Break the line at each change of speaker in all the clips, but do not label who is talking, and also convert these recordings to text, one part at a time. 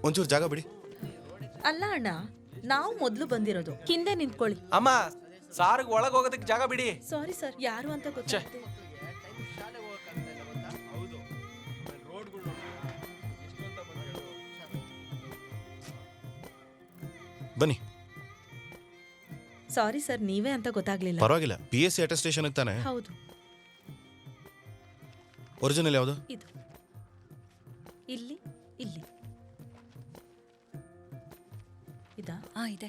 ಒಂಚೂರು ಜಾಗ ಬಿಡಿ.
ಅಲ್ಲ ಅಣ್ಣ, ನಾವು ಮೊದಲು ಬಂದಿರೋದು, ಹಿಂದೆ ನಿಂತ್ಕೊಳ್ಳಿ.
ಅಮ್ಮ, ಸಾರ್ಗ್ ಒಳಗೆ ಹೋಗೋದಕ್ಕೆ ಜಾಗ ಬಿಡಿ.
ಸಾರಿ ಸರ್, ಯಾರು ಅಂತ ಗೊತ್ತಾಗ್ತಿಲ್ಲ.
ಬನ್ನಿ.
ಸಾರಿ ಸರ್, ನೀವೇ ಅಂತ ಗೊತ್ತಾಗ್ಲಿಲ್ಲ.
ಪರವಾಗಿಲ್ಲ, PSC ಅಟೆಸ್ಟೇಷನ್ ತಾನೆ.
ಹೌದು.
ಒರಿಜಿನಲ್ ಯಾವುದು?
ಇದು ಇಲ್ಲಿ ಇಲ್ಲಿ ಇದಾ?
ಇದೆ.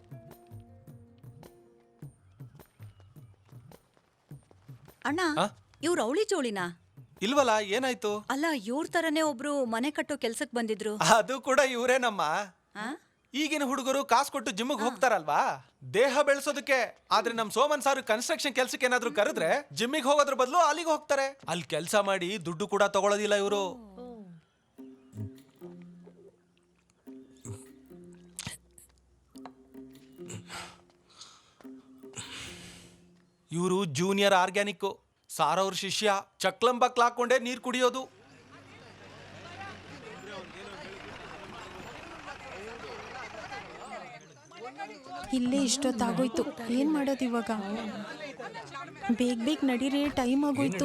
ಅಣ್ಣ, ಇವ್ರು ಅವಳಿ ಜೋಳಿನಾ?
ಇಲ್ವಲ್ಲ, ಏನಾಯ್ತು?
ಅಲ್ಲ, ಇವ್ರ ತರನೇ ಒಬ್ರು ಮನೆ ಕಟ್ಟೋ ಕೆಲ್ಸಕ್ ಬಂದಿದ್ರು.
ಅದು ಕೂಡ ಇವ್ರೇನಮ್ಮ. ಈಗಿನ ಹುಡುಗರು ಕಾಸು ಕೊಟ್ಟು ಜಿಮ್ಗೆ ಹೋಗ್ತಾರಲ್ವಾ, ದೇಹ ಬೆಳೆಸೋದಕ್ಕೆ. ಆದ್ರೆ ನಮ್ ಸೋಮನ್ ಸಾರು ಕನ್ಸ್ಟ್ರಕ್ಷನ್ ಕೆಲ್ಸಕ್ಕೆ ಏನಾದ್ರು ಕರೆದ್ರೆ ಜಿಮ್ಮಿಗೆ ಹೋಗೋದ್ರ ಬದಲು ಅಲ್ಲಿಗೆ ಹೋಗ್ತಾರೆ. ಅಲ್ಲಿ ಕೆಲಸ ಮಾಡಿ ದುಡ್ಡು ಕೂಡ ತಗೊಳ್ಳೋದಿಲ್ಲ ಇವರು. ಇವರು ಜೂನಿಯರ್ ಆರ್ಗ್ಯಾನಿಕ್. ಸಾರವ್ರ ಶಿಷ್ಯ. ಚಕ್ಲಂಬಕ್ಲ ಹಾಕೊಂಡೇ ನೀರ್ ಕುಡಿಯೋದು.
ಇಲ್ಲೇ ಇಷ್ಟೊತ್ತಾಗೋಯ್ತು, ಏನ್ ಮಾಡೋದು ಇವಾಗ? ಬೇಗ ಬೇಗ ನಡೀರಿ, ಟೈಮ್ ಆಗೋಯ್ತು.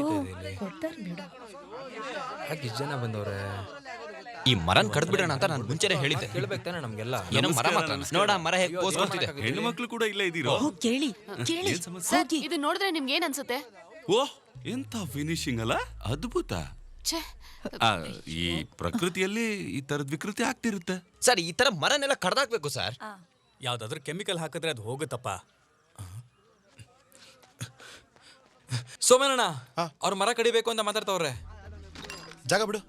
ಇಷ್ಟು ಜನ ಬಂದವ್ರೆ.
ಈ ಮರನ್ ಕಡ್ದು ಬಿಡೋಣ ಅಂತ ನಾನು ಮುಂಚೆನೆ ಹೇಳಿದ್ದೆ.
ಕೇಳ್ಬೇಕು ತಾನೆ ನಮ್ಗೆಲ್ಲ.
ಏನೋ ಮರ ಮಾತ್ರ ನೋಡ, ಮರ ಹೇಗೆ ಪೋಸ್ ಕೊಡ್ತಿದೆ.
ಹೆಣ್ಣು ಮಕ್ಕಳು ಕೂಡ ಇಲ್ಲೇ ಇದೀರೋ?
ಕೇಳಿ ಕೇಳಿ.
ಇದು ನೋಡಿದ್ರೆ ನಿಮ್ಗೆ ಏನ್ ಅನ್ಸುತ್ತೆ?
ಓಹ್, ಎಂತ ಫಿನಿಶಿಂಗ್ ಅಲ್ಲ, ಅದ್ಭುತ. ಈ ಪ್ರಕೃತಿಯಲ್ಲಿ ಈ ತರದ ವಿಕೃತಿ ಆಗ್ತಿರುತ್ತೆ
ಸರ್. ಈ ತರ ಮರನೆಲ್ಲ ಕಡ್ದಾಕ್ಬೇಕು ಸರ್.
ಯಾವ್ದಾದ್ರು ಕೆಮಿಕಲ್ ಹಾಕಿದ್ರೆ ಅದು ಹೋಗುತ್ತಪ್ಪ.
ಸೋಮನಣ್ಣ, ಅವ್ರ ಮರ ಕಡಿಬೇಕು ಅಂತ ಮಾತಾಡ್ತವ್ರೆ.
ಜಾಗ ಬಿಡು.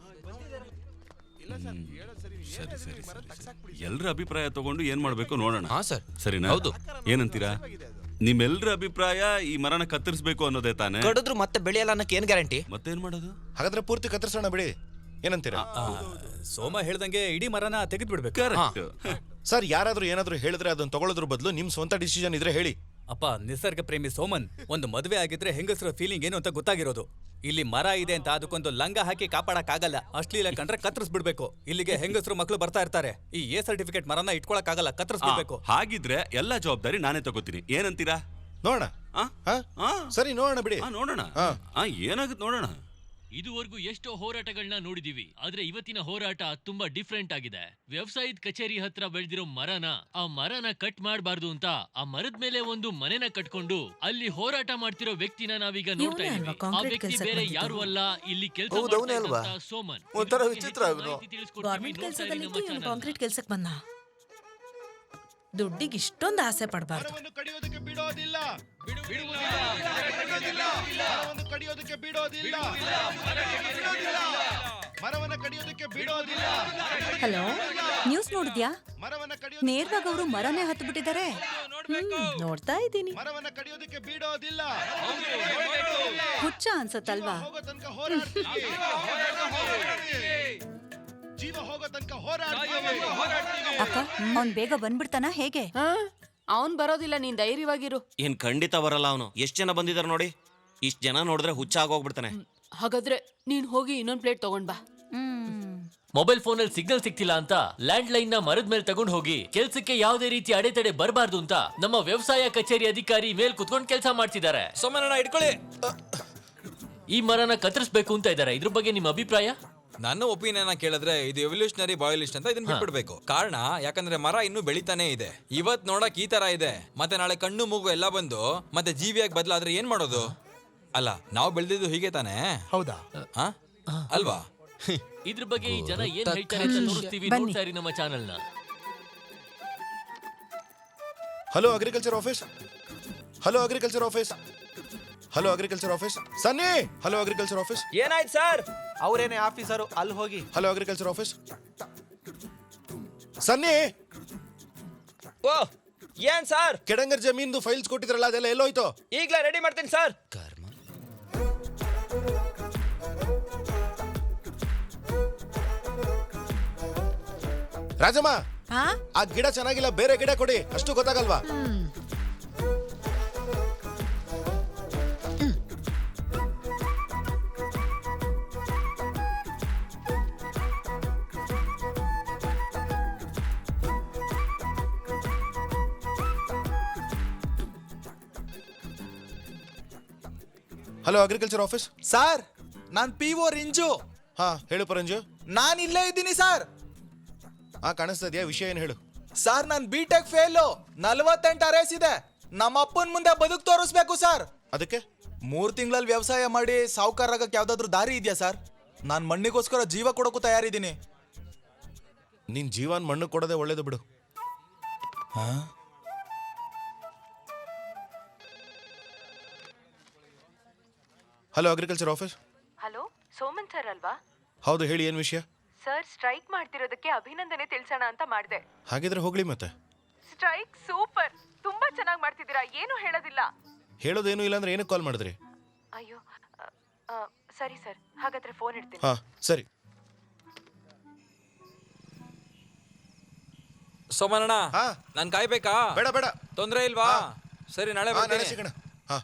ಸರಿ ಸರಿ ಎಲ್ರ ಅಭಿಪ್ರಾಯ ತಗೊಂಡು ಏನ್ ಮಾಡ್ಬೇಕು ನೋಡೋಣ.
ಸರ್,
ಸರಿನಾ?
ಹೌದು.
ಏನಂತೀರಾ? ನಿಮ್ಮೆಲ್ರ ಅಭಿಪ್ರಾಯ ಈ ಮರನ ಕತ್ತರಿಸಬೇಕು ಅನ್ನೋದೇ ತಾನೆ?
ಕಡಿದ್ರು ಮತ್ತೆ ಬೆಳೆಯಲ್ಲ ಅನ್ನಕ್ಕೆ ಏನ್ ಗ್ಯಾರಂಟಿ?
ಮತ್ತೇನ್ ಮಾಡೋದು?
ಹಾಗಾದ್ರೆ ಪೂರ್ತಿ ಕತ್ತರಿಸೋಣ ಬಿಡಿ, ಏನಂತೀರಾ?
ಸೋಮ ಹೇಳ್ದಂಗೆ ಇಡೀ ಮರನ ತೆಗೆದು ಬಿಡ್ಬೇಕು.
Correct
sir. ಯಾರಾದ್ರೂ ಏನಾದ್ರೂ ಹೇಳಿದ್ರೆ ಅದನ್ನ ತಗೊಳ್ಳೋದ್ರ ಬದಲು ನಿಮ್ ಸ್ವಂತ ಡಿಸಿಷನ್ ಇದ್ರೆ ಹೇಳಿ.
ಅಪ್ಪ, ನಿಸರ್ಗ ಪ್ರೇಮಿ ಸೋಮನ್, ಒಂದು ಮದುವೆ ಆಗಿದ್ರೆ ಹೆಂಗಸರ ಫೀಲಿಂಗ್ ಏನು ಅಂತ ಗೊತ್ತಾಗಿರೋದು. ಇಲ್ಲಿ ಮರ ಇದೆ ಅಂತ ಅದಕ್ಕೊಂದು ಲಂಗ ಹಾಕಿ ಕಾಪಾಡಕ್ ಆಗಲ್ಲ. ಅಶ್ಲೀಲ ಕಂಡ್ರೆ ಕತ್ತರಿಸ್ಬಿಡ್ಬೇಕು. ಇಲ್ಲಿಗೆ ಹೆಂಗಸರು ಮಕ್ಕಳು ಬರ್ತಾ ಇರ್ತಾರೆ. ಈ ಎ ಸರ್ಟಿಫಿಕೇಟ್ ಮರನ ಇಟ್ಕೊಳಕ್ ಆಗಲ್ಲ, ಕತ್ತರಿಸ್ಬಿಡ್ಬೇಕು.
ಹಾಗಿದ್ರೆ ಎಲ್ಲಾ ಜವಾಬ್ದಾರಿ ನಾನೇ ತಗೋತೀನಿ. ಏನಂತೀರಾ?
ನೋಡೋಣ. ಸರಿ, ನೋಡೋಣ ಬಿಡಿ.
ನೋಡೋಣ. ಏನಾಗುತ್ತೆ ನೋಡೋಣ.
ಇದುವರೆಗೂ ಎಷ್ಟೋ ಹೋರಾಟಗಳನ್ನ ನೋಡಿದೀವಿ, ಆದ್ರೆ ಇವತ್ತಿನ ಹೋರಾಟ ತುಂಬಾ ಡಿಫ್ರೆಂಟ್ ಆಗಿದೆ. ವ್ಯವಸಾಯದ ಕಚೇರಿ ಹತ್ರ ಬೆಳೆದಿರೋ ಆ ಮರನ ಕಟ್ ಮಾಡಬಾರ್ದು ಅಂತ ಆ ಮರದ ಮೇಲೆ ಒಂದು ಮನೆನ ಕಟ್ಕೊಂಡು ಅಲ್ಲಿ ಹೋರಾಟ ಮಾಡ್ತಿರೋ ವ್ಯಕ್ತಿನ ನಾವೀಗ ನೋಡ್ತಾ ಇದೀವಿ. ಆ ವ್ಯಕ್ತಿ ಬೇರೆ ಯಾರು ಅಲ್ಲ, ಇಲ್ಲಿ ಕೆಲಸ ಮಾಡ್ತಾ ಸೋಮನ್.
ಒಂಥರ ವಿಚಿತ್ರ.
ಕಾಂಕ್ರೀಟ್ ಕೆಲ್ಸಕ್ಕೆ ಬಂದ. ದುಡ್ಡಿಗೆ ಇಷ್ಟೊಂದು ಆಸೆ ಪಡಬಾರ್ದು.
ಹಲೋ, ನ್ಯೂಸ್ ನೋಡಿದ್ಯಾ? ನೇರವಾಗಿ ಅವರು ಮರನೇ ಹತ್ತು ಬಿಟ್ಟಿದ್ದಾರೆ.
ನೋಡ್ತಾ ಇದ್ದೀನಿ.
ಹುಚ್ಚ ಅನ್ಸತ್ತಲ್ವಾ? ಅಕ್ಕ, ಅವ್ನ್ ಬೇಗ ಬಂದ್ಬಿಡ್ತಾನ ಹೇಗೆ?
ಅವನ್ ಬರೋದಿಲ್ಲ, ನೀನ್ ಧೈರ್ಯವಾಗಿರು.
ಏನ್ ಖಂಡಿತ ಬರಲ್ಲ ಅವನು. ಎಷ್ಟ್ ಜನ ಬಂದಿದಾರ ನೋಡಿ. ಇಷ್ಟ್ ಜನ ನೋಡಿದ್ರೆ ಹುಚ್ಚ ಆಗೋಗ್ಬಿಡ್ತಾನೆ.
ಹಾಗಾದ್ರೆ ನೀನ್ ಹೋಗಿ ಇನ್ನೊಂದ್ ಪ್ಲೇಟ್ ತಗೊಂಡ್ ಬಾ.
ಮೊಬೈಲ್ ಫೋನ್ ಅಲ್ಲಿ ಸಿಗ್ನಲ್ ಸಿಗ್ತಿಲ್ಲ ಅಂತ ಲ್ಯಾಂಡ್ ಲೈನ್ ನ ಮರದ ಮೇಲೆ ತಗೊಂಡ್ ಹೋಗಿ ಕೆಲ್ಸಕ್ಕೆ ಯಾವುದೇ ರೀತಿ ಅಡೆತಡೆ ಬರಬಾರ್ದು ಅಂತ ನಮ್ಮ ವ್ಯವಸಾಯ ಕಚೇರಿ ಅಧಿಕಾರಿ ಮೇಲ್ ಕುತ್ಕೊಂಡು ಕೆಲಸ ಮಾಡ್ತಿದ್ದಾರೆ.
ಸೋಮನಣ್ಣ, ಇಟ್ಕೊಳ್ಳಿ.
ಈ ಮರನ ಕತ್ತರಿಸಬೇಕು ಅಂತ ಇದ್ದಾರೆ. ಇದ್ರ ಬಗ್ಗೆ ನಿಮ್ಮ ಅಭಿಪ್ರಾಯ?
ನನ್ನ ಒಪಿನಿಯನ್ ಕೇಳಿದ್ರೆ ಇದು ಎವಲ್ಯೂಷನರಿ ಬಾಯ್ಲಿಸ್ಟ್ ಅಂತ ಇದನ್ನ ಬಿಟ್ಬಿಡ್ಬೇಕು. ಕಾರಣ ಯಾಕಂದ್ರೆ ಮರ ಇನ್ನೂ ಬೆಳಿತಾನೆ ಇದೆ. ಇವತ್ ನೋಡಕ್ ಈ ತರ ಇದೆ, ಮತ್ತೆ ನಾಳೆ ಕಣ್ಣು ಮೂಗು ಎಲ್ಲ ಬಂದು ಮತ್ತೆ ಜೀವಿಯಾಗಿ ಬದಲಾದ್ರೆ ಏನ್ ಮಾಡೋದು? ಅಲ್ಲ, ನಾವು ಬೆಳೆದಿದ್ದು ಹೀಗೆ ತಾನೆ?
ಹೌದಾ?
ಅಲ್ವಾ?
ಇದ್ರ ಬಗ್ಗೆ ಈ ಜನ ಏನ್ ಹೇಳ್ತಾರೆ ಅಂತ ತೋರಿಸ್ತೀವಿ, ನೋಡ್ತಾ ಇರಿ ನಮ್ಮ ಚಾನೆಲ್ ನ.
Hello agriculture office. Hello agriculture office. Hello agriculture office. Sunny, hello agriculture office.
ಏನಾಯ್ತು ಸರ್? ಅವರೇನೆ ಆಫೀಸರು, ಅಲ್ಲಿ ಹೋಗಿ.
Hello agriculture office. ಸನ್ನಿ.
ಓ, ಏನ್ ಸರ್?
ಕೆಡಂಗರ್ ಜಮೀನ್ದು ಫೈಲ್ಸ್ ಕೊಟ್ಟಿದ್ರಲ್ಲ, ಅದೆಲ್ಲ ಎಲ್ಲೋಯ್ತು?
ಈಗ್ಲೇ ರೆಡಿ ಮಾಡ್ತೀನಿ ಸರ್.
ರಾಜಮ್ಮ, ಆ ಗಿಡ ಚೆನ್ನಾಗಿಲ್ಲ, ಬೇರೆ ಗಿಡ ಕೊಡಿ. ಅಷ್ಟು ಗೊತ್ತಾಗಲ್ವಾ? Hello agriculture office.
ಸರ್ ನಾನ್ PO ರಿಂಜು.
ಹಾ ಹೇಳು ಪರಂಜು.
ನಾನ್ ಇಲ್ಲೇ ಇದ್ದೀನಿ ಸರ್.
ಹಾ ಕಾಣಿಸ್ತಾ ಇದೆಯಾ? ವಿಷಯ ಏನು ಹೇಳು.
ಸರ್ ನಾನ್ B.Tech ಫೇಲು, 48 ಅರೇಸ್ ಇದೆ. ನಮ್ಮ ಅಪ್ಪನ ಮುಂದೆ ಬದುಕು ತೋರಿಸ್ಬೇಕು ಸರ್.
ಅದಕ್ಕೆ
3 ತಿಂಗಳಲ್ಲಿ ವ್ಯವಸಾಯ ಮಾಡಿ ಸಾವುಕಾರಾಗಕ್ಕೆ ಯಾವ್ದಾದ್ರು ದಾರಿ ಇದೆಯಾ ಸರ್? ನಾನ್ ಮಣ್ಣಿಗೋಸ್ಕರ ಜೀವ ಕೊಡೋಕ್ಕೂ ತಯಾರಿದ್ದೀನಿ.
ನಿನ್ ಜೀವನ್ ಮಣ್ಣು ಕೊಡೋದೇ ಒಳ್ಳೇದು ಬಿಡು. Hello agriculture office.
Hello, Soman sir ಅಲ್ವಾ?
ಹೌದು, ಹೇಳಿ ಏನು ವಿಷಯ?
ಸರ್, ಸ್ಟ್ರೈಕ್ ಮಾಡ್ತಿರೋದಕ್ಕೆ ಅಭಿನಂದನೆ ತಿಳಿಸೋಣ ಅಂತ ಮಾಡಿದೆ.
ಹಾಗಿದ್ರೆ ಹೋಗ್ಲಿ ಮತ್ತೆ.
ಸ್ಟ್ರೈಕ್ ಸೂಪರ್, ತುಂಬಾ ಚೆನ್ನಾಗಿ ಮಾಡ್ತಿದ್ದೀರಾ, ಏನು ಹೇಳೋದಿಲ್ಲ.
ಹೇಳೋದೇನು ಇಲ್ಲ ಅಂದ್ರೆ ಏನಕ್ಕೆ ಕಾಲ್ ಮಾಡಿದ್ರಿ?
ಅಯ್ಯೋ, ಸರಿ ಸರ್, ಹಾಗಾದ್ರೆ ಫೋನ್ ಇಡ್ತೀನಿ.
ಹಾ ಸರಿ.
ಸೋಮನಣ್ಣ,
ಹಾ
ನಾನ್ ಕಾಯ್ಬೇಕಾ?
ಬೇಡ ಬೇಡ,
ತೊಂದ್ರೆ ಇಲ್ವಾ? ಸರಿ, ನಾಳೆ
ನಾಳೆ
ಬರ್ತೀನಿ.
ಸಿಗೋಣ. ಹಾ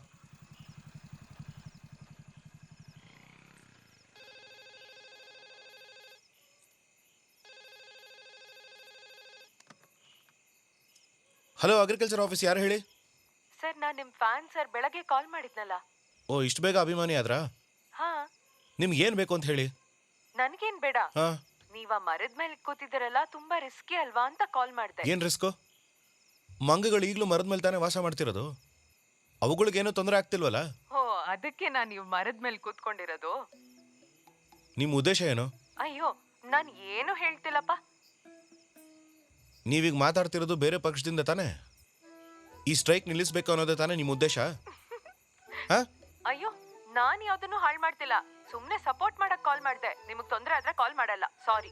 ಹಲೋ ಅಗ್ರಿಕಲ್ಚರ್ ಆಫೀಸ್, ಯಾರು ಹೇಳಿ?
ಸರ್, ನಾನು ನಿಮ್ ಫ್ಯಾನ್ ಸರ್, ಬೆಳಗ್ಗೆ ಕಾಲ್ ಮಾಡಿದ್ನಲ್ಲ.
ಓ, ಇಷ್ಟು ಬೇಗ ಅಭಿಮಾನಿ ಆದ್ರಾ?
ಹಾ,
ನಿಮ್ಗೆ ಏನ್ ಬೇಕು ಅಂತ ಹೇಳಿ.
ನನ್ಗೇನ್ ಬೇಡ,
ಹಾ
ನೀವ ಮರದ ಮೇಲೆ ಕೂತಿದ್ದೀರಲ್ಲ, ತುಂಬಾ ರಿಸ್ಕಿ ಅಲ್ವಾ ಅಂತ ಕಾಲ್ ಮಾಡ್ದೆ.
ಏನ್ ರಿಸ್ಕು? ಮಂಗಗಳು ಈಗಲೂ ಮರದ ಮೇಲೆ ತಾನೇ ವಾಸ ಮಾಡ್ತಿರೋದು. ಅವುಗಳಿಗೇನು ತೊಂದರೆ ಆಗ್ತಿಲ್ವಲ್ಲ?
ಓ, ಅದಕ್ಕೆ ನಾನು ನೀವು ಮರದ ಮೇಲೆ ಕೂತ್ಕೊಂಡಿರೋದು.
ನಿಮ್ಮ ಉದ್ದೇಶ ಏನು?
ಅಯ್ಯೋ, ನಾನು ಏನು ಹೇಳ್ತಿಲ್ಲಪ್ಪ.
ನೀವೀಗ ಮಾತಾಡ್ತಿರೋದು ಬೇರೆ ಪಕ್ಷದಿಂದ ತಾನೇ? ಈ ಸ್ಟ್ರೈಕ್ ನಿಲ್ಲಿಸ್ಬೇಕು ಅನ್ನೋದೇ ತಾನೇ ನಿಮ್ಮ ಉದ್ದೇಶ? ಹಾ?
ಅಯ್ಯೋ, ನಾನ್ ಯಾವ್ದನ್ನು ಹಾಳು ಮಾಡ್ತಿಲ್ಲ, ಸುಮ್ನೆ ಸಪೋರ್ಟ್ ಮಾಡಕ್ ಕಾಲ್ ಮಾಡ್ದೆ. ನಿಮಗ್ ತೊಂದ್ರೆ ಆದ್ರೆ ಕಾಲ್ ಮಾಡಲ್ಲ, ಸಾರಿ.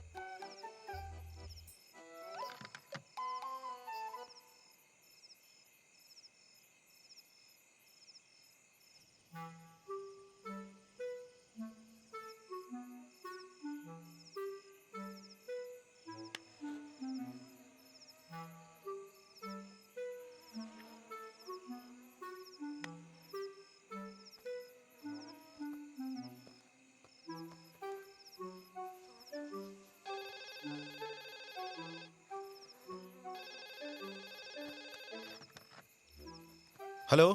ಹಲೋ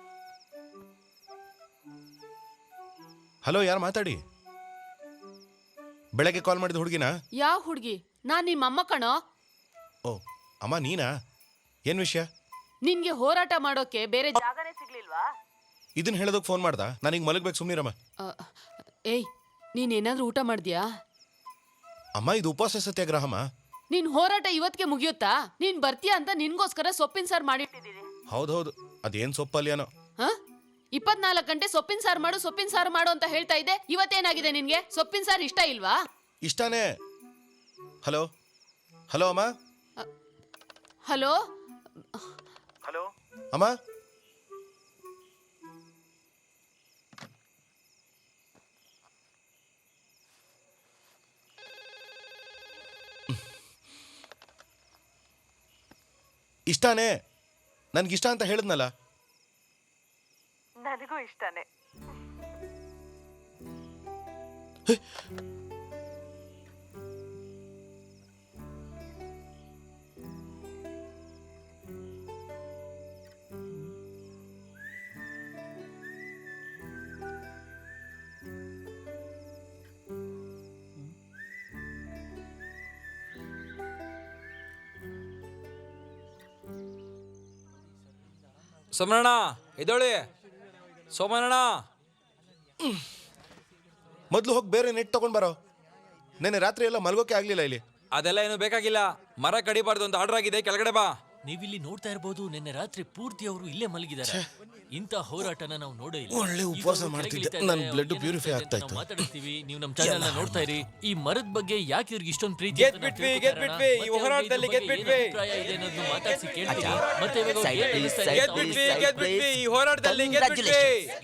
ಹಲೋ, ಯಾರು ಮಾತಾಡಿ? ಬೆಳಗ್ಗೆ ಕಾಲ್ ಮಾಡಿದ ಹುಡುಗಿನ?
ಯಾವ ಹುಡ್ಗಿ? ನಾನ್ ನಿಮ್ಮ ಅಮ್ಮ ಕಣೋ.
ಓ, ಅಮ್ಮ ನೀನಾ? ಏನ್ ವಿಷಯ?
ನಿನ್ಗೆ ಹೋರಾಟ ಮಾಡೋಕೆ ಬೇರೆ
ಜಾಗನೇ ಸಿಗ್ಲಿಲ್ವಾ?
ಇದನ್ನ ಹೇಳೋದಕ್ಕೆ ಫೋನ್ ಮಾಡ್ದ? ನಾನೀಗ ಮಲಗಬೇಕು, ಸುಮ್ಮನಿರಮ್ಮ.
ಏಯ್, ನೀನ್ ಏನಾದ್ರೂ ಊಟ ಮಾಡ್ದ್ಯಾ?
ಅಮ್ಮ, ಇದು ಉಪವಾಸ ಸತ್ಯಾಗ್ರಹಮ್ಮ.
ನಿನ್ ಹೋರಾಟ ಇವತ್ತಿಗೆ ಮುಗಿಯುತ್ತಾ? ನೀನ್ ಬರ್ತೀಯಾ ಅಂತ ನಿನ್ಗೋಸ್ಕರ ಸೊಪ್ಪಿನ ಸಾರು ಮಾಡಿಟ್ಟಿದ್ದೀನಿ.
ಹೌದೌದು, ಅದೇನ್ ಸೊಪ್ಪಲ್ಯಾನೋ.
ಹ? 24 ಗಂಟೆ ಸೊಪ್ಪಿನ ಸಾರು ಮಾಡು ಅಂತ ಹೇಳ್ತಾ ಇದ್ದೆ. ಇವತ್ತೇನಾಗಿದೆ ನಿನ್ಗೆ? ಸೊಪ್ಪಿನ ಸಾರು ಇಷ್ಟ ಇಲ್ವಾ?
ಇಷ್ಟಾನೇ. ಹಲೋ ಹಲೋ ಅಮ್ಮ.
ಹಲೋ
ಹಲೋ ಅಮ್ಮ. ಇಷ್ಟಾನೇ, ನನ್ಗಿಷ್ಟ ಅಂತ ಹೇಳಿದ್ನಲ್ಲ.
ನನಗೂ ಇಷ್ಟನೇ.
ಸೋಮನಣ್ಣ, ಎದ್ದೇಳಿ. ಸೋಮನಣ್ಣ,
ಮೊದಲು ಹೋಗಿ ಬೇರೆ ನೆಟ್ ತಗೊಂಡ್ ಬರೋ. ನೆನ್ನೆ ರಾತ್ರಿ ಎಲ್ಲ ಮಲ್ಗೋಕೆ ಆಗ್ಲಿಲ್ಲ ಇಲ್ಲಿ.
ಅದೆಲ್ಲ ಏನು ಬೇಕಾಗಿಲ್ಲ. ಮರ ಕಡಿಬಾರ್ದು ಅಂತ ಆರ್ಡರ್ ಆಗಿದೆ, ಕೆಳಗಡೆ ಬಾ.
ನೀವಿಲ್ಲಿ ನೋಡ್ತಾ ಇರಬಹುದು, ನಿನ್ನೆ ರಾತ್ರಿ ಪೂರ್ತಿ ಅವರು ಇಲ್ಲೇ ಮಲಗಿದ್ದಾರೆ. ಇಂಥ ಹೋರಾಟನ ನಾವು ನೋಡೇ ಇಲ್ಲ.
ಒಳ್ಳೆ ಉಪವಾಸ ಮಾಡ್ತಿದ್ದೆ, ನನ್ನ ಬ್ಲಡ್ ಪ್ಯೂರಿಫೈ ಆಗ್ತಾ ಇತ್ತು.
ಮಾತಾಡ್ತೀವಿ, ನೀವು ನಮ್ಮ ಚಾನೆಲ್ ನ ನೋಡ್ತಾ ಇರಿ. ಈ ಮರದ ಬಗ್ಗೆ ಯಾಕೆ ಇವ್ರಿಗೆ ಇಷ್ಟೊಂದು ಪ್ರೀತಿ
ಗೆದ್ಬಿಟ್ವಿ. ಈ ಹೋರಾಟದಲ್ಲಿ ಗೆದ್ಬಿಟ್ವಿ.
ಮಾತಾಡಿಸಿ ಕೇಳ್ತೀವಿ. ಮತ್ತೆ ಇವಾಗ ಅವ್ರು ಏನ್ ಹೇಳ್ತಾ ಇದ್ದಾರೆ?
ಗೆದ್ಬಿಟ್ವಿ. ಈ ಹೋರಾಟದಲ್ಲಿ ಗೆದ್ಬಿಟ್ವಿ.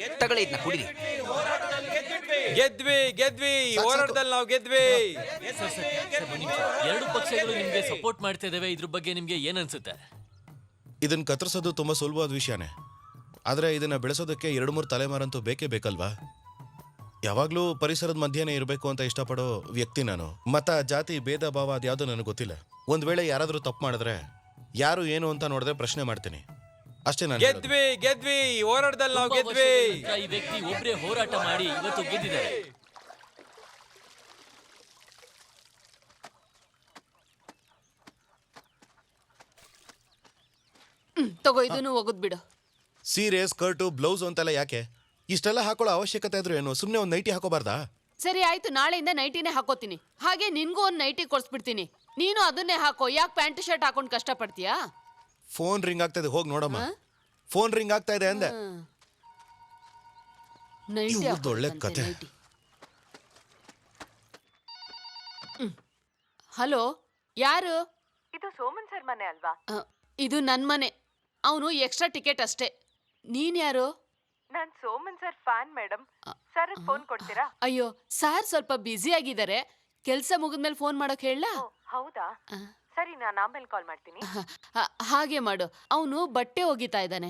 ಗೆದ್ವಿ. ಈ ಹೋರಾಟದಲ್ಲಿ ನಾವು ಗೆದ್ವಿ.
ಸರ್, ಬನ್ನಿ. ಎರಡು ಪಕ್ಷಗಳು ನಿಮ್ಗೆ ಸಪೋರ್ಟ್ ಮಾಡ್ತಾ ಇದಾವೆ. ಇದ್ರ ಬಗ್ಗೆ ನಿಮ್ಗೆ ಏನ್ ಅನ್ಸುತ್ತೆ?
ಇದನ್ನ ಕತ್ತರಿಸೋದು ತುಂಬಾ ಸುಲಭವಾದ ವಿಷಯನೇ, ಆದ್ರೆ ಇದನ್ನ ಬೆಳೆಸೋದಕ್ಕೆ 2-3 ತಲೆಮಾರಂತೂ ಬೇಕೇ ಬೇಕಲ್ವಾ? ಯಾವಾಗ್ಲೂ ಪರಿಸರದ ಮಧ್ಯೆನೇ ಇರಬೇಕು ಅಂತ ಇಷ್ಟಪಡೋ ವ್ಯಕ್ತಿ ನಾನು. ಮತ, ಜಾತಿ, ಭೇದ ಭಾವ ಅದ್ಯಾವುದೂ ನನಗೆ ಗೊತ್ತಿಲ್ಲ. ಒಂದ್ ವೇಳೆ ಯಾರಾದ್ರೂ ತಪ್ಪು ಮಾಡಿದ್ರೆ ಯಾರು ಏನು ಅಂತ ನೋಡಿದ್ರೆ ಪ್ರಶ್ನೆ ಮಾಡ್ತೀನಿ. ಅಷ್ಟೇ ನಾನು ಹೇಳೋದು.
ಗೆದ್ವಿ ಈ ಹೋರಾಟದಲ್ಲಿ ನಾವು
ತುಂಬಾ
ಗೆದ್ವಿ.
ವರ್ಷಗಳ ನಂತ್ರ ಈ ವ್ಯಕ್ತಿ ಒಬ್ರೇ ಹೋರಾಟ ಮಾಡಿ ಇವತ್ತು ಗೆದ್ದಿದ್ದಾರೆ.
ತಗೋ ಇದನ್ನು ಹೋಗುದ್ ಬಿಡು.
ಸೀರೆ ಸ್ಕರ್ಟು ಬ್ಲೌಸ್ ಅಂತೆಲ್ಲ ಯಾಕೆ? ಇಷ್ಟೆಲ್ಲ ಹಾಕೊಳ್ಳೋ ಅವಶ್ಯಕತೆ ಇದ್ರು ಏನು? ಸುಮ್ಮನೆ ಒಂದು ನೈಟಿ ಹಾಕೋಬಾರ್ದಾ?
ಸರಿ ಆಯ್ತು, ನಾಳೆಯಿಂದ ನೈಟಿನೇ ಹಾಕೋತೀನಿ. ಹಾಗೆ ನಿನ್ಗೂ ಒಂದು ನೈಟಿ ಕೊಡ್ಸ್ಬಿಡ್ತೀನಿ. ನೀನು ಅದನ್ನೇ ಹಾಕೋ. ಯಾಕೆ ಪ್ಯಾಂಟ್ ಶರ್ಟ್ ಹಾಕೊಂಡು ಕಷ್ಟಪಡ್ತೀಯಾ?
ಫೋನ್ ರಿಂಗ್ ಆಗ್ತಾ ಇದೆ, ಹೋಗಿ ನೋಡಮ್ಮ. ಫೋನ್ ರಿಂಗ್ ಆಗ್ತಾ ಇದೆ ಅಂದೆ.
ನೈಟಿ
ಇವ್ರ್ದ್ ಒಳ್ಳೆ ಕತೆ.
ಹಲೋ, ಯಾರು?
ಇದು ಸೋಮನ್ ಸರ್ ಮನೆ ಅಲ್ವಾ?
ಇದು ನನ್ ಮನೆ. ಅವನು ಎಕ್ಸ್ಟ್ರಾ ಟಿಕೆಟ್ ಅಷ್ಟೇ. ನೀನ್ ಯಾರು?
ನಾನ್ Soman sir fan madam. Sir phone ಕೊಡ್ತೀರಾ?
ಅಯ್ಯೋ ಸಾರ್ ಸ್ವಲ್ಪ ಬ್ಯುಸಿ ಆಗಿದ್ದಾರೆ. ಕೆಲ್ಸ ಮುಗಿದ್ಮೇಲೆ ಫೋನ್ ಮಾಡೋಕ್ ಹೇಳ?
ಹೌದಾ, ಸರಿ, ನಾನು ಆಮೇಲೆ ಕಾಲ್ ಮಾಡ್ತೀನಿ.
ಹಾಗೆ ಮಾಡು. ಅವನು ಬಟ್ಟೆ ಒಗಿತಾ ಇದ್ದಾನೆ.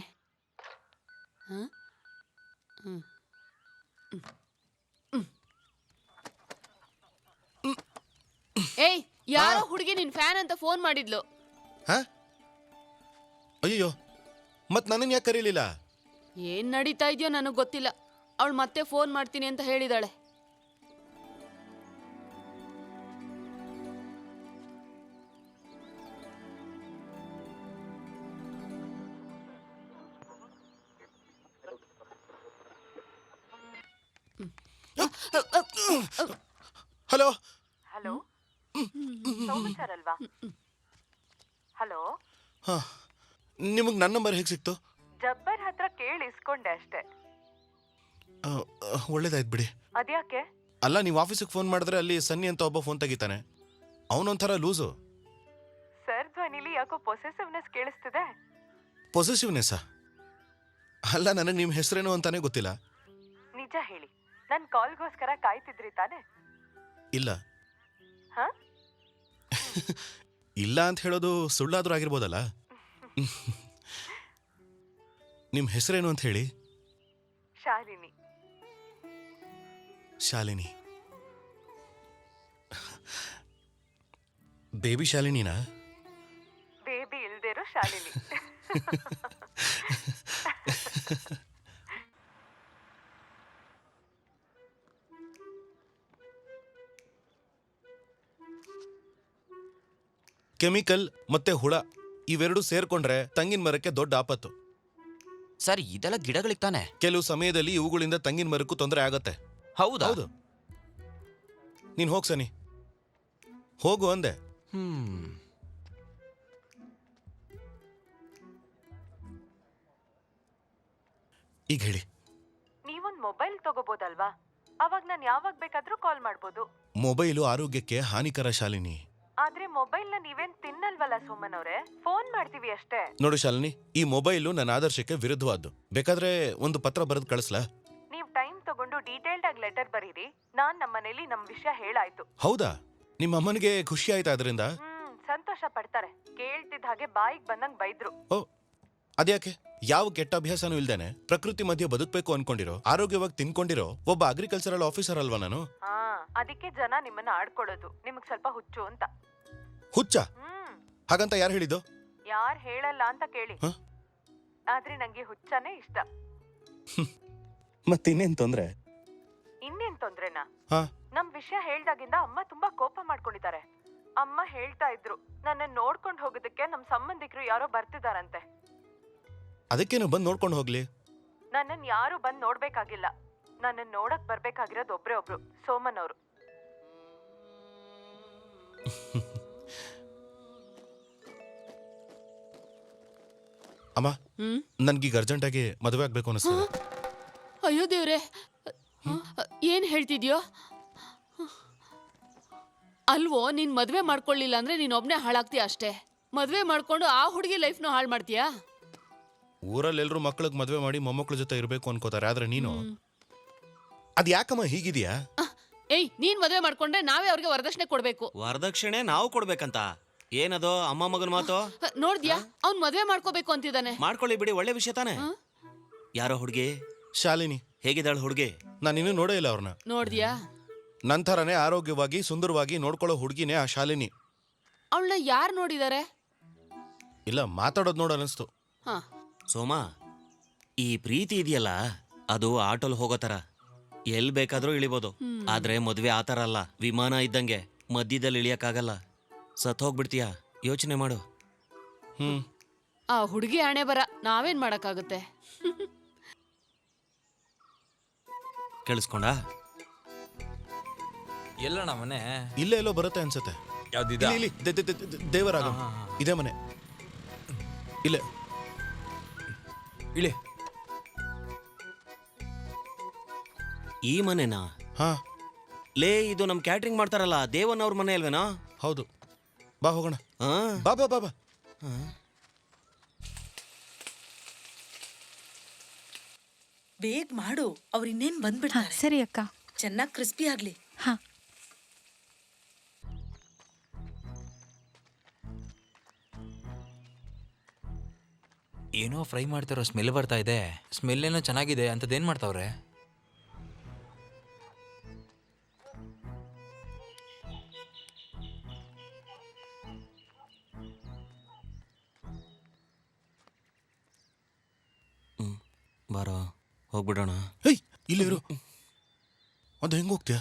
ಏಯ್, ಯಾರೋ ಹುಡುಗಿ ನಿನ್ ಫ್ಯಾನ್ ಅಂತ ಫೋನ್ ಮಾಡಿದ್ಲು.
ಹಾ? ಅಯ್ಯೋ, ಮತ್ ನನ್ನನ್ನು ಯಾಕೆ ಕರೀಲಿಲ್ಲ?
ಏನ್ ನಡೀತಾ ಇದೆಯೋ ನನಗ್ ಗೊತ್ತಿಲ್ಲ. ಅವಳು ಮತ್ತೆ ಫೋನ್ ಮಾಡ್ತೀನಿ ಅಂತ ಹೇಳಿದಾಳೆ.
ಹಲೋ
ಹಲೋ, ಸೋಮನ್ ಸರ್ ಅಲ್ವಾ? ಹಲೋ,
ಹಾ, ನಿಮಗೆ ನನ್ನ ನಂಬರ್ ಹೇಗೆ ಸಿಕ್ತು?
ಜಬ್ಬರ್ ಹತ್ರ ಕೇಳಿ ಇಸ್ಕೊಂಡೆ ಅಷ್ಟೇ.
ಒಳ್ಳೇದಾಯ್ತು ಬಿಡಿ.
ಅದ್ಯಾಕೆ?
ಅಲ್ಲ, ನೀವು ಆಫೀಸಿಗೆ ಫೋನ್ ಮಾಡಿದ್ರೆ ಅಲ್ಲಿ ಸನ್ನಿ ಅಂತ ಒಬ್ಬ ಫೋನ್ ತೆಗಿತಾನೆ. ಅವನೊಂಥರ ಲೂಸು.
ಸರ್ ಧ್ವನಿಲಿ ಯಾಕೋ ಪೊಸೆಸಿವ್ನೆಸ್ ಕೇಳಿಸ್ತಿದೆ.
ಪೊಸೆಸಿವ್ನೆಸ್ಸಾ? ಅಲ್ಲ, ನನಗೆ ನಿಮ್ಮ ಹೆಸರೇನು ಅಂತಾನೆ ಗೊತ್ತಿಲ್ಲ.
ನಿಜ ಹೇಳಿ, ನನ್ ಕಾಲ್ಗೋಸ್ಕರ ಕಾಯ್ತಿದ್ರಿ ತಾನೆ?
ಇಲ್ಲ.
ಹಾ?
ಇಲ್ಲ ಅಂತ ಹೇಳೋದು ಸುಳ್ಳಾದ್ರೂ ಆಗಿರ್ಬೋದಲ್ಲ. ನಿಮ್ಮ ಹೆಸರೇನು ಅಂತ ಹೇಳಿ.
ಶಾಲಿನಿ.
ಶಾಲಿನಿ? ಬೇಬಿ ಶಾಲಿನಿನಾ?
ಬೇಬಿ ಇಲ್ದಿರೋ ಶಾಲಿನಿ.
ಕೆಮಿಕಲ್ ಮತ್ತೆ ಹುಳ ಇವೆರಡು ಸೇರ್ಕೊಂಡ್ರೆ ತಂಗಿನ ಮರಕ್ಕೆ ದೊಡ್ಡ ಆಪತ್ತು.
ಸರ್, ಇದೆಲ್ಲ ಗಿಡಗಳಿಗೆ ತಾನೆ?
ಕೆಲವು ಸಮಯದಲ್ಲಿ ಇವುಗಳಿಂದ ತಂಗಿನ ಮರಕ್ಕೂ ತೊಂದರೆ ಆಗತ್ತೆ.
ಹೌದಾ?
ಹೌದು. ನೀನ್ ಹೋಗ್ ಸನಿ, ಹೋಗು ಅಂದೆ. ಈಗ ಹೇಳಿ.
ನೀವೊಂದ್ ಮೊಬೈಲ್ ತಗೋಬೋದಲ್ವಾ? ಅವಾಗ ನಾನು ಯಾವಾಗ ಬೇಕಾದ್ರೂ ಕಾಲ್ ಮಾಡ್ಬೋದು.
ಮೊಬೈಲು ಆರೋಗ್ಯಕ್ಕೆ ಹಾನಿಕರ ಶಾಲಿನಿ.
ಆದ್ರೆ ಮೊಬೈಲ್ ನ ನೀವೇನ್ ತಿನ್ನಲ್ವಲ್ಲ ಸೋಮನ್ ಅವ್ರೆ, ಫೋನ್ ಮಾಡ್ತೀವಿ ಅಷ್ಟೇ.
ನೋಡು ಶಾಲಿನಿ, ಈ ಮೊಬೈಲು ನನ್ನ ಆದರ್ಶಕ್ಕೆ ವಿರುದ್ಧವಾದ್ದು. ಬೇಕಾದ್ರೆ ಒಂದು ಪತ್ರ ಬರೆದು ಕಳಿಸ್ಲಾ?
ನೀವ್ ಟೈಮ್ ತಗೊಂಡು ಡೀಟೇಲ್ಡ್ ಆಗಿ ಲೆಟರ್ ಬರೀರಿ. ನಾನ್ ನಮ್ಮನೇಲಿ ನಮ್ ವಿಷಯ ಹೇಳಾಯ್ತು.
ಹೌದಾ? ನಿಮ್ಮ ಅಮ್ಮನಿಗೆ ಖುಷಿ ಆಯ್ತಾ ಅದರಿಂದ?
ಸಂತೋಷ ಪಡ್ತಾರೆ. ಕೇಳ್ತಿದ್ದ ಹಾಗೆ ಬಾಯಿಗೆ ಬಂದಂಗ್ ಬೈದ್ರು.
ಓ, ಅದ್ಯಾಕೆ? ಯಾವ ಕೆಟ್ಟ ಅಭ್ಯಾಸನೂ ಇಲ್ದೇನೆ ಪ್ರಕೃತಿ ಮಧ್ಯೆ ಬದುಕಬೇಕು ಅನ್ಕೊಂಡಿರೋ, ಆರೋಗ್ಯವಾಗಿ ತಿನ್ಕೊಂಡಿರೋ ಒಬ್ಬ ಅಗ್ರಿಕಲ್ಚರಲ್ ಆಫೀಸರ್ ಅಲ್ವಾ ನಾನು?
ಅದಕ್ಕೆ ಜನ ನಿಮ್ಮನ್ನ ಆಡ್ಕೊಳ್ಳೋದು. ನಿಮಗ್ ಸ್ವಲ್ಪ ಹುಚ್ಚು ಅಂತ.
ಹುಚ್ಚ? ಹಾಗಂತ ಯಾರು ಹೇಳಿದ್ದು?
ಯಾರ್ ಹೇಳಲ್ಲ ಅಂತ ಕೇಳಿ. ಆದ್ರೆ ನಂಗೆ ಹುಚ್ಚನೇ ಇಷ್ಟ.
ಮತ್ತಿನ್ನೇನ್ ತೊಂದ್ರೆ?
ಇನ್ನೇನ್ ತೊಂದ್ರೆನಾ? ನಮ್ ವಿಷಯ ಹೇಳ್ದಾಗಿಂದ ಅಮ್ಮ ತುಂಬಾ ಕೋಪ ಮಾಡ್ಕೊಂಡಿದ್ದಾರೆ. ಅಮ್ಮ ಹೇಳ್ತಾ ಇದ್ರು, ನನ್ನ ನೋಡ್ಕೊಂಡ್ ಹೋಗೋದಕ್ಕೆ ನಮ್ ಸಂಬಂಧಿಕರು ಯಾರೋ ಬರ್ತಿದಾರಂತೆ.
ಅದಕ್ಕೇನು, ಬಂದು ನೋಡ್ಕೊಂಡು ಹೋಗ್ಲಿ.
ನನ್ನನ್ ಯಾರು ಬಂದ್ ನೋಡ್ಬೇಕಾಗಿಲ್ಲ. ನನ್ನನ್ ನೋಡಕ್ ಬರ್ಬೇಕಾಗಿರೋದು ಒಬ್ರೇ ಒಬ್ರು, ಸೋಮನ್ ಅವರು.
ಅಮ್ಮ, ನನ್ಗೀಗ ಅರ್ಜೆಂಟ್ ಆಗಿ ಮದುವೆ ಆಗ್ಬೇಕು ಅನಿಸ್ತದೆ.
ಅಯ್ಯೋ ದೇವ್ರೆ, ಏನ್ ಹೇಳ್ತಿದ್ಯೋ? ಅಲ್ವೋ, ನೀನ್ ಮದ್ವೆ ಮಾಡ್ಕೊಳ್ಳಿಲ್ಲ ಅಂದ್ರೆ ನೀನ್ ಒಬ್ನೇ ಹಾಳಾಗ್ತೀಯ ಅಷ್ಟೇ. ಮದ್ವೆ ಮಾಡ್ಕೊಂಡು ಆ ಹುಡುಗಿ ಲೈಫ್ನು ಹಾಳು ಮಾಡ್ತೀಯಾ?
ಊರಲ್ಲಿ ಎಲ್ರು ಮಕ್ಳಿಗೆ ಮದುವೆ ಮಾಡಿ ಮೊಮ್ಮಕ್ಳ ಜೊತೆ ಇರ್ಬೇಕು ಅನ್ಕೋತಾರೆ. ಆದ್ರೆ ನೀನು ಅದ್ ಯಾಕಮ್ಮ ಹೀಗಿದ್ಯಾ?
ಏಯ್, ನೀನ್ ಮದ್ವೆ ಮಾಡ್ಕೊಂಡ್ರೆ ನಾವೇ ಅವ್ರಿಗೆ ವರದಕ್ಷಿಣೆ ಕೊಡ್ಬೇಕು.
ವರದಕ್ಷಿಣೆ ನಾವು ಕೊಡ್ಬೇಕಂತ? ಏನದು ಅಮ್ಮ ಮಗನ ಮಾತು?
ನೋಡ್ದ್ಯಾ, ಅವ್ನ್ ಮದ್ವೆ ಮಾಡ್ಕೋಬೇಕು ಅಂತಿದ್ದಾನೆ.
ಮಾಡ್ಕೊಳ್ಳಿ ಬಿಡಿ, ಒಳ್ಳೆ ವಿಷಯ ತಾನೆ. ಯಾರೋ ಹುಡುಗಿ?
ಶಾಲಿನಿ.
ಹೇಗಿದ್ದಾಳು ಹುಡುಗಿ?
ನಾನು ಇನ್ನೂ ನೋಡೇ ಇಲ್ಲ ಅವ್ರನ್ನ.
ನೋಡ್ದ್ಯಾ?
ನಂತರನೇ ಆರೋಗ್ಯವಾಗಿ ಸುಂದರವಾಗಿ ನೋಡ್ಕೊಳ್ಳೋ ಹುಡುಗಿನೇ ಆ ಶಾಲಿನಿ.
ಅವಳನ್ನ ಯಾರು ನೋಡಿದಾರೆ?
ಇಲ್ಲ, ಮಾತಾಡೋದು ನೋಡ ಅನಿಸ್ತು.
ಸೋಮ, ಈ ಪ್ರೀತಿ ಇದೆಯಲ್ಲ ಅದು ಆಟೋಲ್ ಹೋಗೋ ಥರ ಎಲ್ಲಿ ಬೇಕಾದ್ರೂ ಇಳಿಬೋದು. ಆದ್ರೆ ಮದ್ವೆ ಆ ಥರ ಅಲ್ಲ, ವಿಮಾನ ಇದ್ದಂಗೆ ಮಧ್ಯದಲ್ಲಿ ಇಳಿಯಕ್ಕಾಗಲ್ಲ. ಸತ್ ಹೋಗ್ಬಿಡ್ತೀಯ, ಯೋಚನೆ ಮಾಡು.
ಆ ಹುಡುಗಿ ಹಣೆ ಬರ, ನಾವೇನ್ ಮಾಡಕ್ಕಾಗುತ್ತೆ?
ಕೇಳಿಸ್ಕೊಂಡ?
ಎಲ್ಲಣ್ಣ ಮನೆ?
ಇಲ್ಲೇ ಎಲ್ಲೋ ಬರುತ್ತೆ ಅನ್ಸುತ್ತೆ.
ಯಾವ್ದಿದ?
ಇಲ್ಲಿ ದೇವರಾಗ ಇದೇ ಮನೆ. ಇಲ್ಲೇ
ಇಳಿ.
ಈ ಮನೆನಾ?
ಹಾ
ಲೇ, ಇದು ನಮ್ ಕ್ಯಾಟ್ರಿಂಗ್ ಮಾಡ್ತಾರಲ್ಲ ದೇವನ್ ಅವ್ರ ಮನೆ ಅಲ್ವೇನಾ?
ಹೌದು, ಬಾ ಹೋಗೋಣ.
ಆ?
ಬಾ ಬಾ ಬಾ ಬಾ.
ಬೇಗ ಮಾಡು, ಅವ್ರು ಇನ್ನೇನ್ ಬಂದ್ಬಿಡ್ತಾರೆ.
ಸರಿ ಅಕ್ಕ.
ಚೆನ್ನಾಗಿ ಕ್ರಿಸ್ಪಿ ಆಗ್ಲಿ.
ಹಾ.
ಏನೋ ಫ್ರೈ ಮಾಡ್ತಾರೋ ಸ್ಮೆಲ್ ಬರ್ತಾ ಇದೆ. ಸ್ಮೆಲ್ ಏನೋ ಚೆನ್ನಾಗಿದೆ. ಅಂತದೇನ್ ಮಾಡ್ತಾವ್ರೆ?
ಬಾರೋ ಹೋಗ್ಬಿಡೋಣ.
ಹೇಯ್, ಇಲ್ಲಿ ಇರು. ಅದು ಹೆಂಗೆ ಹೋಗ್ತೀಯ?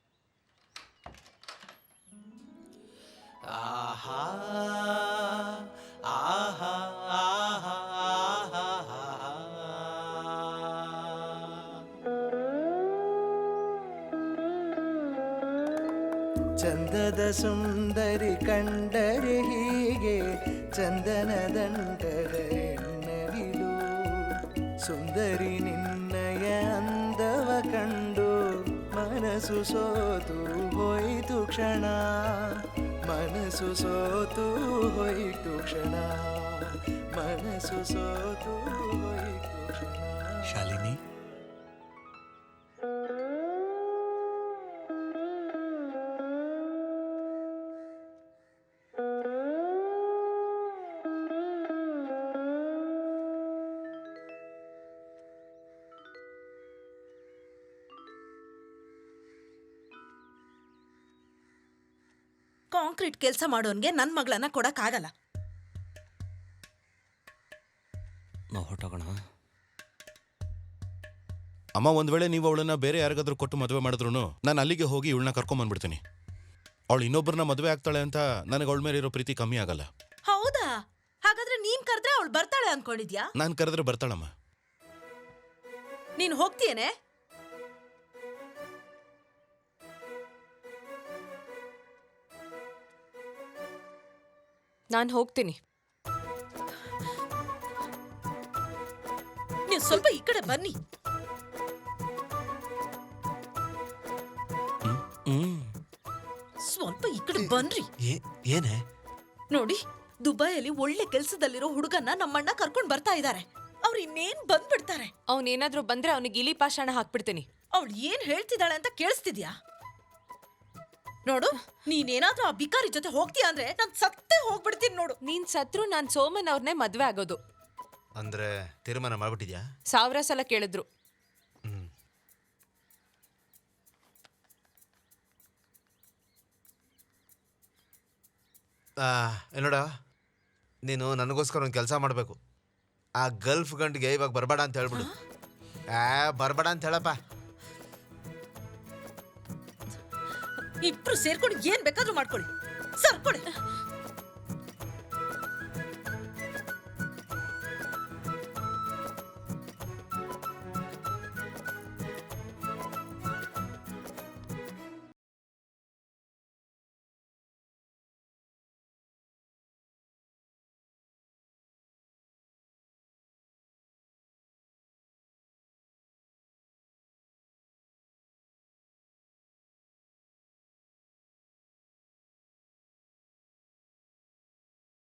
ಚಂದದ ಸುಂದರಿ ಕಂಡರೆ ಹೀಗೆ ಚಂದನ ದಂಡದ ಎನ್ನವಿಲು. ಸುಂದರಿ ನಿನ್ನಯ ಅಂದವ ಕಂಡು ಮನಸ್ಸು ಸೋತು ಹೋಯಿತು ಕ್ಷಣ. ಮನಸ್ಸು ಸೋತು ಹೋಯಿತು ಕ್ಷಣ. ಮನಸ್ಸು ಸೋತು ಹೋಯಿತು ಕ್ಷಣ.
ಶಾಲಿನಿ,
ಕಾಂಕ್ರೀಟ್ ಕೆಲಸ ಮಾಡೋನ್ಗೆ ನನ್ ಮಗಳನ್ನ ಕೊಡಕ್ ಆಗಲ್ಲ.
ನಾವು ಹೊರಟೋಗೋಣ.
ಅಮ್ಮ, ಒಂದ್ ವೇಳೆ ನೀವು ಅವಳನ್ನ ಬೇರೆ ಯಾರಿಗಾದ್ರೂ ಕೊಟ್ಟು ಮದುವೆ ಮಾಡಿದ್ರು ನಾನು ಅಲ್ಲಿಗೆ ಹೋಗಿ ಇವಳನ್ನ ಕರ್ಕೊಂಬಂದ್ಬಿಡ್ತೀನಿ. ಅವಳು ಇನ್ನೊಬ್ಬರನ್ನ ಮದುವೆ ಆಗ್ತಾಳೆ ಅಂತ ನನಗೆ ಅವಳ ಮೇಲೆ ಇರೋ ಪ್ರೀತಿ ಕಮ್ಮಿ ಆಗಲ್ಲ.
ಹೌದಾ? ಹಾಗಾದ್ರೆ ನೀನ್ ಕರೆದ್ರೆ ಅವಳು ಬರ್ತಾಳೆ ಅನ್ಕೊಂಡಿದ್ಯಾ?
ನಾನು ಕರೆದ್ರೆ ಬರ್ತಾಳಮ್ಮ.
ನೀನ್ ಹೋಗ್ತೀಯೇನೆ?
ನಾನು ಹೋಗ್ತೀನಿ.
ನೀವು ಸ್ವಲ್ಪ ಈ ಕಡೆ ಬನ್ನಿ. ಸ್ವಲ್ಪ ಈ ಕಡೆ ಬನ್ರಿ.
ಏನೇ?
ನೋಡಿ, ದುಬೈಯಲ್ಲಿ ಒಳ್ಳೆ ಕೆಲ್ಸದಲ್ಲಿರೋ ಹುಡುಗನ್ನ ನಮ್ಮಣ್ಣ ಕರ್ಕೊಂಡ್ ಬರ್ತಾ ಇದ್ದಾರೆ. ಅವ್ರು ಇನ್ನೇನ್ ಬಂದ್ಬಿಡ್ತಾರೆ.
ಅವನೇನಾದ್ರೂ ಬಂದ್ರೆ ಅವನಿಗೆ ಇಲಿ ಪಾಷಾಣ ಹಾಕ್ಬಿಡ್ತೀನಿ.
ಅವಳು ಏನ್ ಹೇಳ್ತಿದ್ದಾಳೆ ಅಂತ ಕೇಳಿಸ್ತಿದ್ಯಾ? ನೋಡು, ನೀನೇನಾದ್ರೂ ಆ ಬಿಕಾರಿ ಜೊತೆ ಹೋಗ್ತೀಯ ಅಂದ್ರೆ ನಾನ್ ಸತ್ತೇ ಹೋಗ್ಬಿಡ್ತೀನಿ ನೋಡು.
ನೀನ್ ಸತ್ರು ನಾನ್ ಸೋಮನ್ ಅವ್ರನ್ನೇ ಮದ್ವೆ ಆಗೋದು.
ಅಂದ್ರೆ ತೀರ್ಮಾನ ಮಾಡ್ಬಿಟ್ಟಿದ್ಯಾ?
1000 ಸಲ ಕೇಳಿದ್ರು.
ನೋಡ, ನೀನು ನನಗೋಸ್ಕರ ಒಂದು ಕೆಲಸ ಮಾಡಬೇಕು. ಆ ಗಲ್ಫ್ ಗಂಟಿಗೆ ಇವಾಗ ಬರಬೇಡ ಅಂತ ಹೇಳ್ಬಿಡು. ಬರಬೇಡ ಅಂತ ಹೇಳಪ್ಪ.
ಇಬ್ರು ಸೇರ್ಕೊಂಡು ಏನ್ ಬೇಕಾದ್ರೂ ಮಾಡ್ಕೊಳ್ಳಿ. ಸರ್ಕೊಳ್ಳಿ.